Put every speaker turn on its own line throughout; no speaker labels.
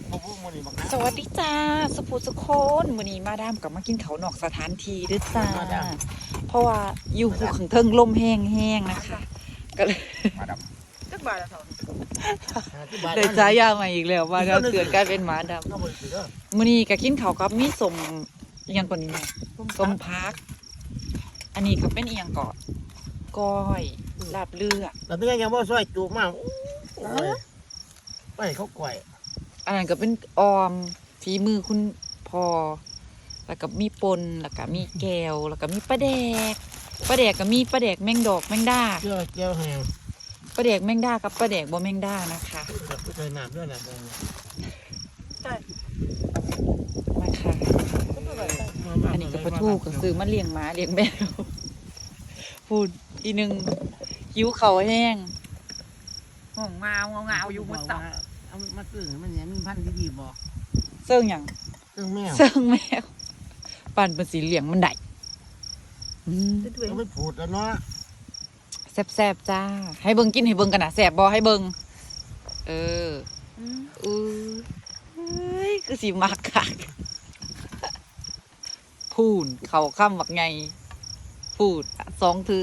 สวัสดีจ้าสุภูสุคนวันนี้มาดามกับมากินเขาวนอกสถานที่ด้วยจ้าเพราะว่าอยู่หูขังเทิงลมแห้งๆนะคะก็เลย
มาด
จักบาทละเท่า
ได้จ้ายามาอีกแล้วว่าเราเกิดกลายเป็นหมาดำมื้อนี้ก็กินเขาวกับมีสมอีหยังก่อนนี้นะสมพัก อันนี้ก็เป็นอีหยังก่อนก้อยลาบเลือด
ำแล้วเป็นยังว่าซอยจูบมากไปเขาก่อย
อันนั้นก็เป็นออมฝีมือคุณพ่อแล้วก็มีปนแล้วก็มีแก้วแล้วก็มีปลาแดกก็มีปลาแดกแมงดอกแมงดา
เจ้าเจ้าแหง
ปลาแดกแมงดากับปลาแดกบ่แมงดานะคะ
ใส่น้ำด้วยนะ
ใช่
มาค่ะอันนี้ก็ปลาทูก็ซื้อมาเลี้ยงหมาเลี้ยงแมวพูดอีหนึ่งหิวเขาวแห้งห้องเงาอยู่บนเสา
เอามาตื้อมันเนี่ยมีพันธุ์ดีบอก
เสื่องหยัง
ตื้อแมว
เสื่องแมวปั่นเป็นสีเหลืองมันได้
ด้วย
เขาไม่ผูดแล้วเนาะ
แซ่บๆจ้าให้เบิ่งกินให้เบิ่งกันนะแซ่บบ่ให้เบิ่งเออเฮ้ยคือสีมักคักพูนเขาข้ามบักไงพูดสองเถื่อ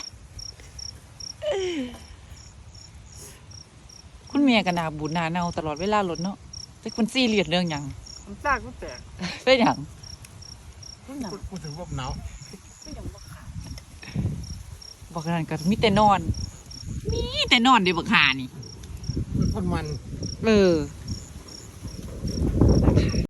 คุณเมียกันนาบุญนาเนาตลอดเวลารถเนาะแต่คนซี่เรียดเรื่องหยัง
มันซากมันแตก
เป็นหยัง
กูถึงว่าหนาว
ไม่ยังบ่ขาด
บอกนั่นก็มีแต่นอน มีแต่นอนเดี๋ยวบักหานี่
คนมัน
เออ